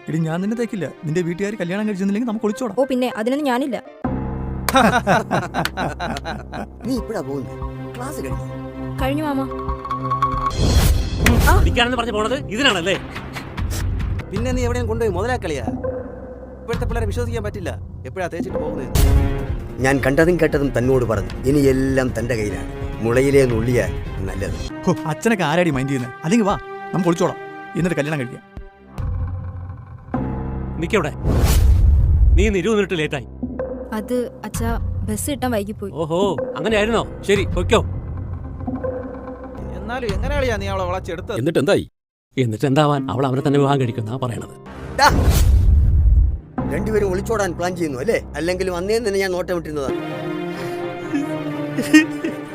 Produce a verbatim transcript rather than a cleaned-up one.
എടി ഞാൻ നിന്നെ തേക്കില്ല. നിന്റെ വീട്ടുകാർ കല്യാണം കഴിച്ചെന്നില്ലെങ്കിൽ നമുക്ക് ഒളിച്ചോടാം. ഓ പിന്നെ അതിനൊന്നും ഞാനില്ല. നീ ഇപ്പഴാ പോകുന്നത്? ക്ലാസ് കഴിഞ്ഞു. കഴിഞ്ഞു മാമ. പറഞ്ഞ പോണത് ഇതിനാണല്ലേ? പിന്നെ നീ എവിടെയും കൊണ്ടുപോയി മുതലാക്കളിയാ. ഇപ്പോഴത്തെ പിള്ളേരെ വിശ്വസിക്കാൻ പറ്റില്ല. എപ്പോഴാ തേച്ചിട്ട് പോകുന്നത്? ഞാൻ കണ്ടതും കേട്ടതും തന്നോട് പറഞ്ഞു. ഇനി എല്ലാം തന്റെ കയ്യിലാണ്. മുളയിലേ നുള്ളിയാൽ നല്ലത്. അച്ഛനൊക്കെ ആരാടി മൈൻഡ് ചെയ്യുന്നത്? അല്ലെങ്കിൽ വാ നമുക്ക് ഒളിച്ചോടാം, എന്നിട്ട് കല്യാണം കഴിക്കാം. നിക്കവിടെ. നീ ഇരുപത് മിനിറ്റ് ലേറ്റായി. അത് അച്ഛാ ബസ് കിട്ടാൻ വൈകിപ്പോയി. ഓഹോ അങ്ങനെയായിരുന്നോ? ശരി പൊയ്ക്കോ. എന്നാലും എങ്ങനെയാളിയാ നീ അവളെ വളച്ചെടുത്തത്? എന്നിട്ട് എന്തായി? എന്നിട്ട് എന്താവാൻ? അവൾ അവനെ തന്നെ വിവാഹം കഴിക്കുന്ന പറയണത്. രണ്ടുപേരും ഒളിച്ചോടാൻ പ്ലാൻ ചെയ്യുന്നു അല്ലേ? അല്ലെങ്കിലും അന്നേ തന്നെ ഞാൻ നോട്ടം വിട്ടിരുന്നതാണ്.